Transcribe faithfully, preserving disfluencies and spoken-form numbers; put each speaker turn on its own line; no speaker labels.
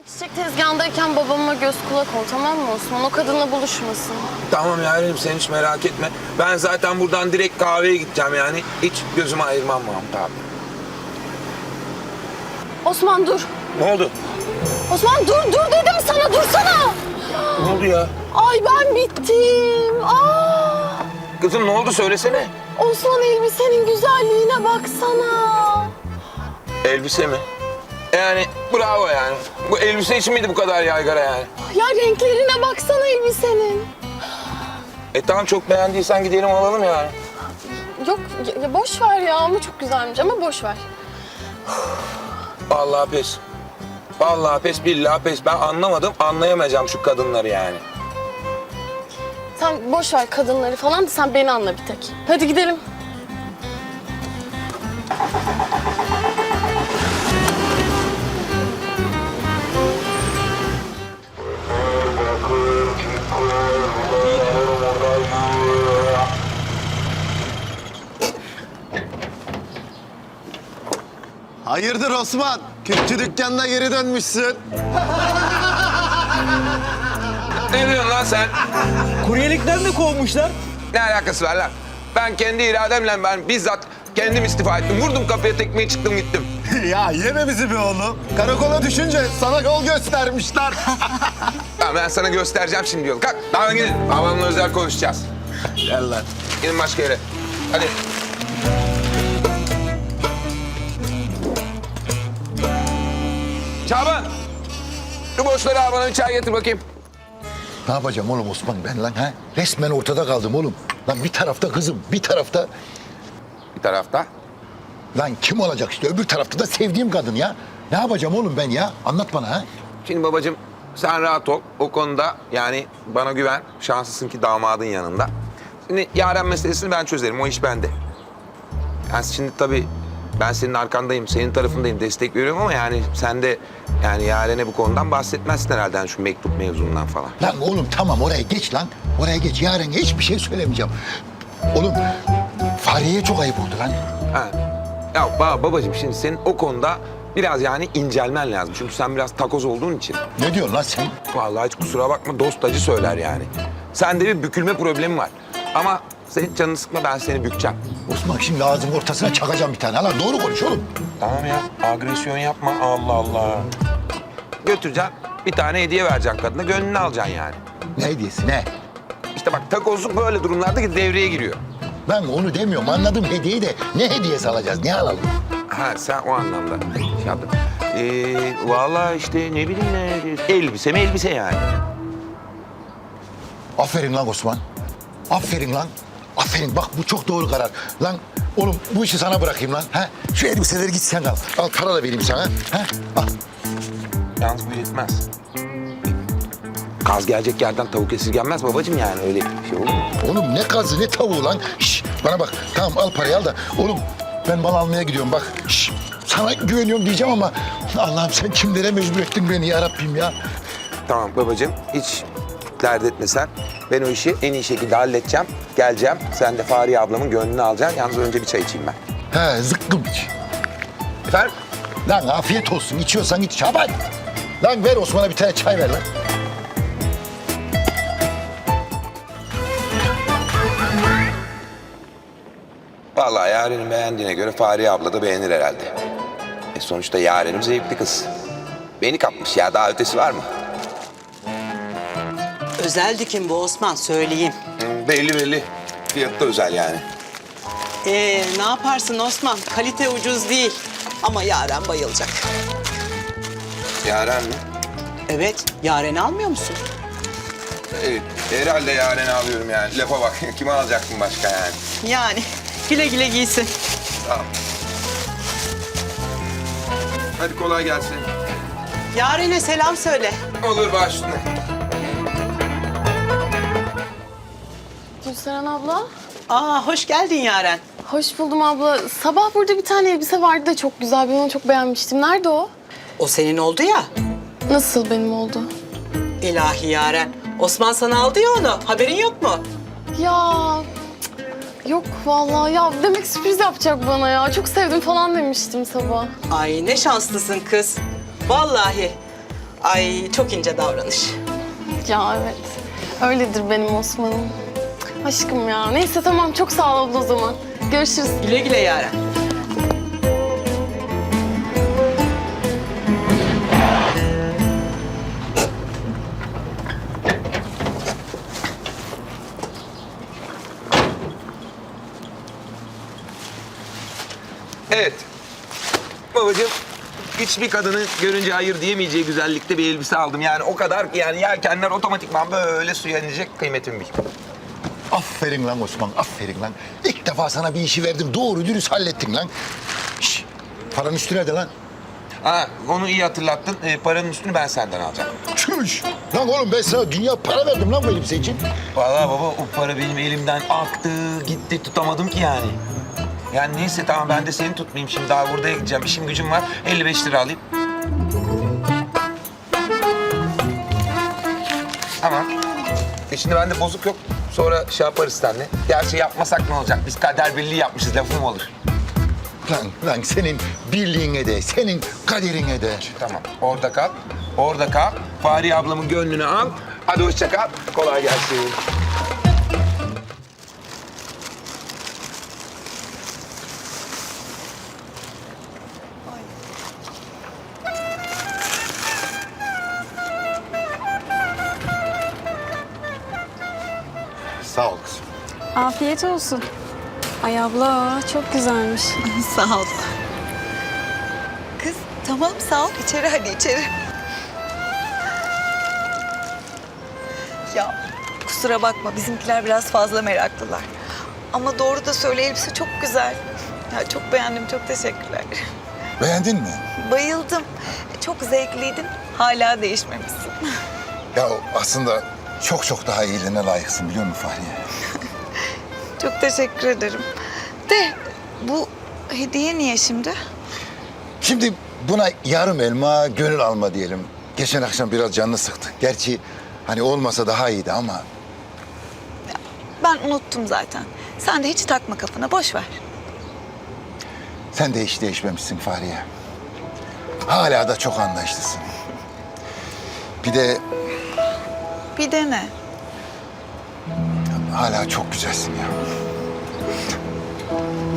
Çiçek tezgahındayken babama göz kulak ol, tamam mı Osman? O kadınla buluşmasın.
Tamam Yarenim, sen hiç merak etme. Ben zaten buradan direkt kahveye gideceğim yani. Hiç gözümü ayırmam Mahmut abi.
Osman dur.
Ne oldu?
Osman dur, dur dedim sana, dursana.
Ne oldu ya?
Ay ben bittim. Aa!
Kızım ne oldu, söylesene.
Osman elbisenin güzelliğine baksana.
Elbise mi? Yani bravo yani. Bu elbise için miydi bu kadar yaygara yani?
Ya renklerine baksana elbisenin.
E tamam, çok beğendiysen gidelim alalım yani.
Yok ya, ya boş ver ya, ama çok güzelmiş, ama boş ver.
Vallahi pes. Vallahi pes, billahi pes. Ben anlamadım, anlayamayacağım şu kadınları yani.
Sen boş ver kadınları falan da sen beni anla bir tek. Hadi gidelim.
Hayırdır Osman? Kürkçü dükkanına geri dönmüşsün.
Ne diyorsun lan sen?
Kuryelikten de kovmuşlar.
Ne alakası var lan? Ben kendi irademle ben bizzat kendim istifa ettim. Vurdum kapıya tekmeyi, çıktım gittim.
Ya yeme bizi be oğlum. Karakola düşünce sana yol göstermişler.
Tamam, ben sana göstereceğim şimdi yolu. Kalk, daha gidin. Babamla özel konuşacağız.
Gel lan.
Gidin başka yere. Hadi. Çaban! Şu boşları al, bana bir çay getir bakayım.
Ne yapacağım oğlum Osman ben lan ha? Resmen ortada kaldım oğlum. Lan bir tarafta kızım, bir tarafta...
Bir tarafta.
Lan kim olacak işte öbür tarafta da sevdiğim kadın ya. Ne yapacağım oğlum ben ya? Anlat bana ha.
Şimdi babacığım sen rahat ol. O konuda yani bana güven. Şanslısın ki damadın yanında. Şimdi Yaren meselesini ben çözerim. O iş bende. Yani şimdi tabii ben senin arkandayım, senin tarafındayım, destek veriyorum ama yani sen de yani Yaren'e bu konudan bahsetmezsin herhalde, yani şu mektup mevzundan falan.
Lan oğlum tamam oraya geç lan. Oraya geç. Yarın hiçbir şey söylemeyeceğim. Oğlum Fahriye'ye çok ayıp oldu lan.
Ha. Ya ba babacığım şimdi senin o konuda biraz yani incelmen lazım. Çünkü sen biraz takoz olduğun için.
Ne diyorsun lan sen?
Vallahi hiç kusura bakma, dost acı söyler yani. Sende bir bükülme problemi var. Ama senin canını sıkma, ben seni bükeceğim.
Osman şimdi ağzımın ortasına çakacağım bir tane. Lan doğru konuş oğlum.
Tamam ya, agresyon yapma. Allah Allah. Götüreceksin, bir tane hediye vereceksin kadına, gönlünü alacaksın yani.
Ne hediyesi ne?
İşte bak, takozluk böyle durumlarda devreye giriyor.
Ben onu demiyorum anladım hediyeyi de. Ne hediyesi alacağız? Ne alalım?
Ha sen o anlamda şey yaptın. Ee, vallahi işte ne bileyim ne, elbise mi elbise yani.
Aferin lan Osman. Aferin lan. Aferin bak bu çok doğru karar. Lan oğlum bu işi sana bırakayım lan. Ha? Şu elbiseleri git sen al. Al para da vereyim sana. Ha? Al.
Yalnız bu yetmez. Kaz gelecek yerden tavuk esirgenmez babacığım, yani öyle şey olur mu?
Oğlum ne kazı ne tavuğu lan. Şş, bana bak tamam al parayı al da. Oğlum ben mal almaya gidiyorum bak. Şş, sana güveniyorum diyeceğim ama Allah'ım sen kimlere mecbur ettin beni ya Rabbim ya.
Tamam babacığım, hiç dert etme sen. Ben o işi en iyi şekilde halledeceğim. Geleceğim. Sen de Fahriye ablamın gönlünü alacaksın. Yalnız önce bir çay içeyim ben.
He zıkkım iç.
Efendim?
Lan afiyet olsun içiyorsan iç Şaban. Lan ver Osman'a bir tane çay ver lan.
Vallahi Yaren'in beğendiğine göre Fahriye abla da beğenir herhalde. E sonuçta Yaren'im zevkli kız. Beni kapmış ya, daha ötesi var mı?
Özel dikim bu Osman, söyleyeyim.
Hı, belli belli. Fiyatı da özel yani.
Ee, ne yaparsın Osman? Kalite ucuz değil. Ama Yaren bayılacak.
Yaren mi?
Evet, Yaren'i almıyor musun?
Evet, herhalde Yaren'i alıyorum yani. Lafa bak, kime alacaktım başka yani?
Yani güle güle giysin.
Tamam. Hadi kolay gelsin.
Yaren'e selam söyle.
Olur, baş üstüne.
Gülseren abla.
Aa, hoş geldin Yaren.
Hoş buldum abla. Sabah burada bir tane elbise vardı da çok güzel. Ben onu çok beğenmiştim. Nerede o?
O senin oldu ya.
Nasıl benim oldu?
İlahi Yaren. Osman sana aldı ya onu. Haberin yok mu?
Ya cık, yok vallahi ya, demek sürpriz yapacak bana ya. Çok sevdim falan demiştim sabah.
Ay ne şanslısın kız. Vallahi. Ay çok ince davranış.
Ya evet. Öyledir benim Osman'ım. Aşkım ya. Neyse tamam çok sağ ol abla o zaman. Görüşürüz.
Güle güle Yaren.
Evet. Babacığım hiçbir kadını görünce hayır diyemeyeceği güzellikte bir elbise aldım. Yani o kadar ki yani yelkenler otomatikman böyle suya inecek, kıymetimi bil.
Aferin lan Osman, aferin lan. İlk defa sana bir işi verdim, doğru dürüst hallettin lan. Şş, paranın üstü nerede lan?
Ha, onu iyi hatırlattın. Ee, paranın üstünü ben senden alacağım.
Çüş! Lan oğlum ben sana dünya para verdim lan bu elbise için.
Vallahi baba o para benim elimden aktı, gitti, tutamadım ki yani. Yani neyse tamam ben de seni tutmayayım şimdi daha burada gideceğim. İşim gücüm var. elli beş lira alayım. Tamam. E şimdi bende bozuk yok. Sonra şey yaparız seninle. Gerçi yapmasak ne olacak? Biz kader birliği yapmışız. Lafım olur.
Lan, lan senin birliğine de, senin kaderine de.
Tamam. Orada kal. Orada kal. Fahriye ablamın gönlünü al. Hadi hoşça kal. Kolay gelsin.
Sağ ol kızım.
Afiyet olsun. Ay abla çok güzelmiş.
Sağ ol. Kız tamam sağ ol. İçeri hadi içeri.
Ya kusura bakma bizimkiler biraz fazla meraklılar. Ama doğru da söyle elbise çok güzel. Ya çok beğendim, çok teşekkürler.
Beğendin mi?
Bayıldım. Çok zevkliydin. Hala değişmemişsin.
Ya aslında çok çok daha iyilerine layıksın biliyor musun Fahriye?
Çok teşekkür ederim. De bu hediye niye şimdi?
Şimdi buna yarım elma, gönül alma diyelim. Geçen akşam biraz canını sıktı. Gerçi hani olmasa daha iyiydi ama...
Ben unuttum zaten. Sen de hiç takma kafana, boş ver.
Sen de hiç değişmemişsin Fahriye. Hala da çok anlayışlısın. Bir de
Bir de ne?
hala çok güzelsin ya.